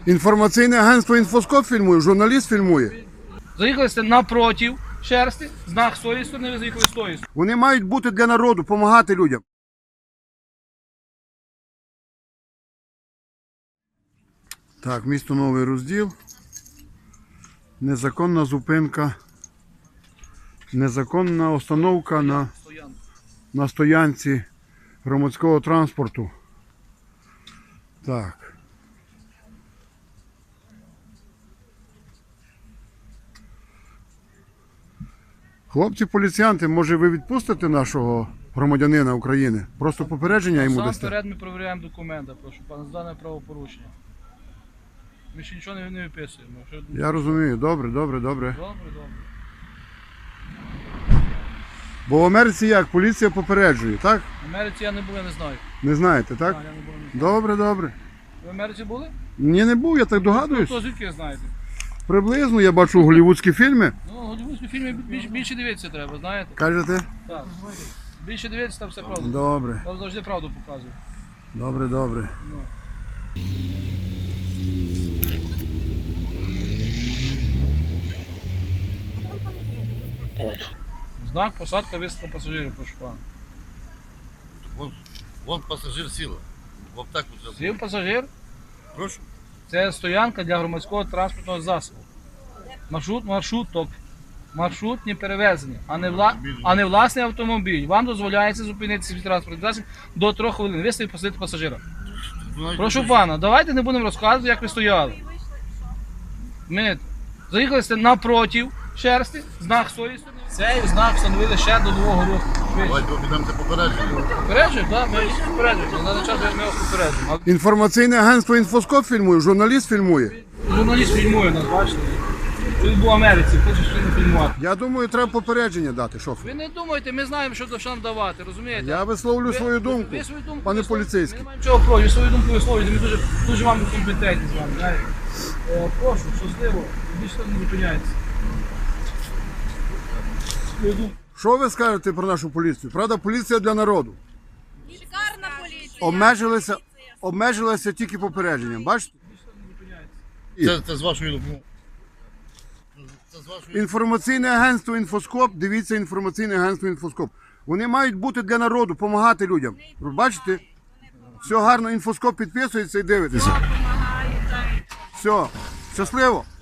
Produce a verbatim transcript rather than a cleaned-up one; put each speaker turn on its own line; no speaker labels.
Інформаційне агентство «Інфоскоп» фільмує, журналіст фільмує.
Заїхали сте напротив шерсти, знак з тої сторони, ви заїхали з тої сторони.
Вони мають бути для народу, допомагати людям. Так, місто Новий Розділ. Незаконна зупинка. Незаконна остановка на, на стоянці громадського транспорту. Так. Хлопці-поліціянти, може ви відпустите нашого громадянина України? Просто попередження йому
Сам
дасте?
вперед ми перевіряємо документи, прошу пана, з дане правопорушення. Ми ще нічого не, не виписуємо. Що...
Я розумію, добре, добре, добре.
Добре, добре.
Бо в Америці як? Поліція попереджує, так?
В Америці я не був, я не знаю.
Не знаєте, так?
А, я не був, не знаю.
Добре, добре.
Ви в Америці були?
Ні, не був, я так
Ну,
догадуюсь.
то звідки знаєте?
Приблизно я бачу голлівудські фільми.
Ну, голівудські фільми більше, більше дивитися треба, знаєте?
Кажете?
Так. Більше дивитися, там все правда.
Добре,
Там завжди правду показує.
добре, добре.
Ну. Знак посадка висадка пасажирів, прошу пана.
Вон, вон пасажир сіла. В аптеку треба.
Сів пасажир.
Прошу.
Це стоянка для громадського транспортного засобу. Маршрут, маршруток. Маршрутні перевезення, а не, вла... а не власний автомобіль. Вам дозволяється зупинитися від транспортного засобу до трьох хвилин. Ви стоїть посадити пасажира. Прошу пана, давайте не будемо розказувати, як ви стояли. Ми заїхали сте напротив шерсти, знак з тої сторони. Цей знак встановили ще до нового року.
Давайте підемо це попередження.
Попереджуємо, так? Ми попереджуємо. На даний час ми вас попереджуємо.
Інформаційне агентство «Інфоскоп» фільмує, журналіст фільмує.
Журналіст фільмує нас, бачите? Він був в Америці, хоче щось фільмувати.
Я думаю, треба попередження дати, шофер.
Ви не думайте, ми знаємо, що до що нам давати, розумієте?
Я висловлю
Ви-
свою думку,
ви свою думку
пане
висловлюєте.
поліцейський.
Ми не маємо чого проти, ви свою думку висловлюєте, ми дуже, дуже вам компетентні з вами, знаєте. Е, прошу, щасливо, більше не зупиняється. Свою думку.
Що ви скажете про нашу поліцію? Правда, поліція для народу.
Шикарна поліція.
Обмежилися, обмежилися тільки попередженням, бачите?
Це, це з вашої допомоги. Це з вашої
Інформаційне агентство «Інфоскоп», дивіться інформаційне агентство «Інфоскоп». Вони мають бути для народу, допомагати людям. Ви бачите? Все гарно, «Інфоскоп» підписується і дивитеся.
Допомагають.
Все, щасливо.